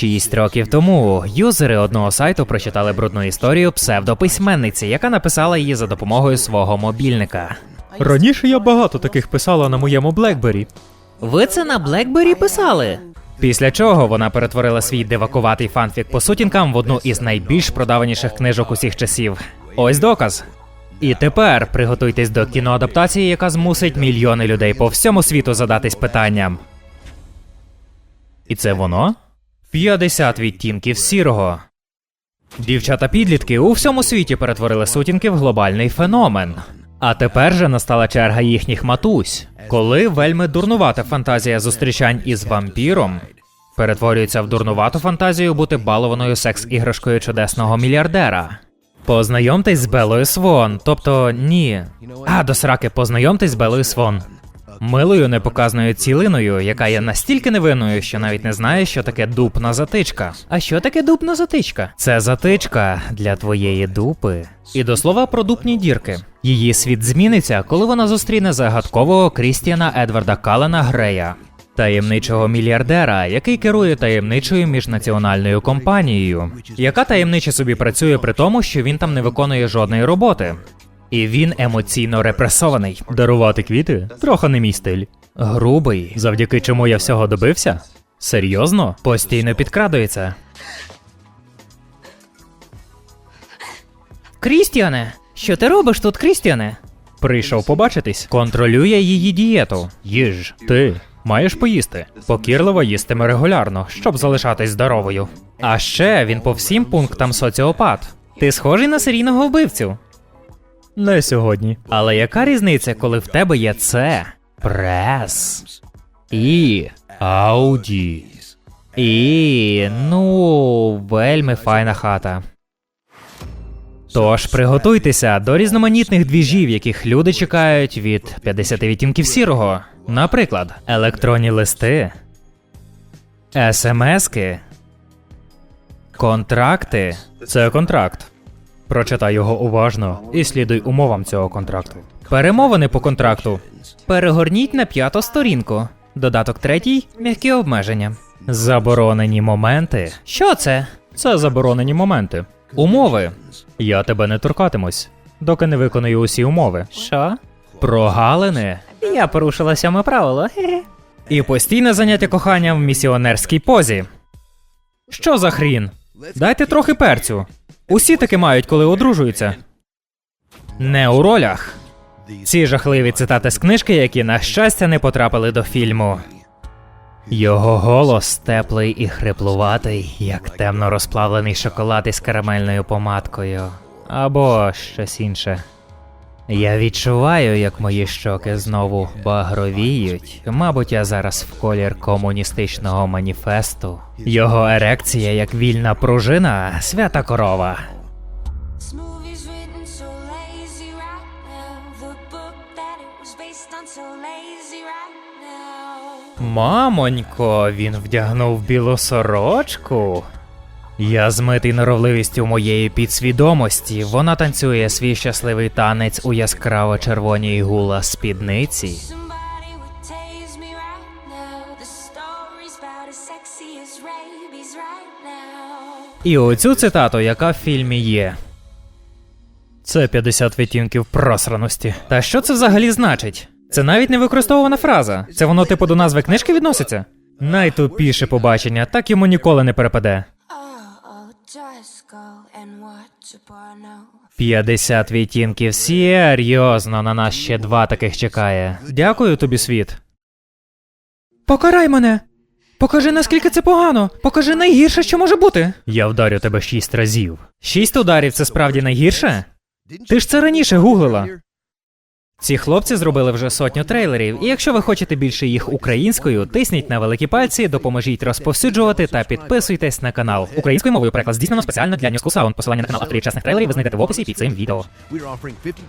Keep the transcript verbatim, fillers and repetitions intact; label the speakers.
Speaker 1: Шість років тому юзери одного сайту прочитали брудну історію псевдописьменниці, яка написала її за допомогою свого мобільника.
Speaker 2: Раніше я багато таких писала на моєму BlackBerry.
Speaker 1: Ви це на BlackBerry писали? Після чого вона перетворила свій дивакуватий фанфік по сутінкам в одну із найбільш продаваніших книжок усіх часів. Ось доказ. І тепер приготуйтесь до кіноадаптації, яка змусить мільйони людей по всьому світу задатись питанням. І це воно? п'ятдесят відтінків сірого. Дівчата-підлітки у всьому світі перетворили сутінки в глобальний феномен. А тепер же настала черга їхніх матусь, коли вельми дурнувата фантазія зустрічань із вампіром перетворюється в дурнувату фантазію бути балованою секс-іграшкою чудесного мільярдера. Познайомтесь з Белою Свон, тобто ні. А, до сраки, познайомтесь з Белою Свон. Милою непоказною цілиною, яка є настільки невинною, що навіть не знає, що таке дупна затичка. А що таке дупна затичка? Це затичка для твоєї дупи. І до слова про дупні дірки. Її світ зміниться, коли вона зустріне загадкового Крістіана Едварда Каллена Грея. Таємничого мільярдера, який керує таємничою міжнаціональною компанією, яка таємниче собі працює при тому, що він там не виконує жодної роботи. І він емоційно репресований.
Speaker 2: Дарувати квіти? Трохи не мій стиль.
Speaker 1: Грубий, завдяки чому я всього добився? Серйозно? Постійно підкрадується. Крістіане! Що ти робиш тут, Крістіане?
Speaker 2: Прийшов побачитись.
Speaker 1: Контролює її дієту.
Speaker 2: Їж. Ти маєш поїсти.
Speaker 1: Покірливо їстиме регулярно, щоб залишатись здоровою. А ще він по всім пунктам соціопат. Ти схожий на серійного вбивцю.
Speaker 2: Не сьогодні.
Speaker 1: Але яка різниця, коли в тебе є це? Прес. І Ауді. І, ну, вельми файна хата. Тож приготуйтеся до різноманітних двіжів, яких люди чекають від п'ятдесят відтінків сірого. Наприклад, електронні листи, смски, контракти.
Speaker 2: Це контракт. Прочитай його уважно і слідуй умовам цього контракту.
Speaker 1: Перемовини по контракту. Перегорніть на п'яту сторінку. Додаток третій – м'які обмеження. Заборонені моменти. Що це?
Speaker 2: Це заборонені моменти.
Speaker 1: Умови.
Speaker 2: Я тебе не торкатимусь, доки не виконую усі умови.
Speaker 1: Що? Прогалини. Я порушила сьоме правило. І постійне заняття коханням в місіонерській позі. Що за хрін? Дайте трохи перцю. Усі таки мають, коли одружуються. Не у ролях. Ці жахливі цитати з книжки, які, на щастя, не потрапили до фільму. Його голос теплий і хриплуватий, як темно розплавлений шоколад із карамельною помадкою. Або щось інше. Я відчуваю, як мої щоки знову багровіють. Мабуть, я зараз в колір комуністичного маніфесту. Його ерекція, як вільна пружина, свята корова. Мамонько, він вдягнув білу сорочку. Я змитий норовливістю моєї підсвідомості. Вона танцює свій щасливий танець у яскраво-червоній гула спідниці. І оцю цитату, яка в фільмі є.
Speaker 2: Це п'ятдесят відтінків просраності.
Speaker 1: Та що це взагалі значить? Це навіть не використовувана фраза. Це воно типу до назви книжки відноситься? Найтупіше побачення, так йому ніколи не перепаде. п'ятдесят відтінків серйозно, на нас ще два таких чекає. Дякую тобі, світ. Покарай мене! Покажи, наскільки це погано! Покажи найгірше, що може бути!
Speaker 2: Я вдарю тебе шість разів.
Speaker 1: Шість ударів – це справді найгірше? Ти ж це раніше гуглила. Ці хлопці зробили вже сотню трейлерів, і якщо ви хочете більше їх українською, тисніть на великі пальці, допоможіть розповсюджувати та підписуйтесь на канал. Українською мовою переклад здійснено спеціально для New School Sound. Посилання на канал авторів чесних трейлерів ви знайдете в описі під цим відео.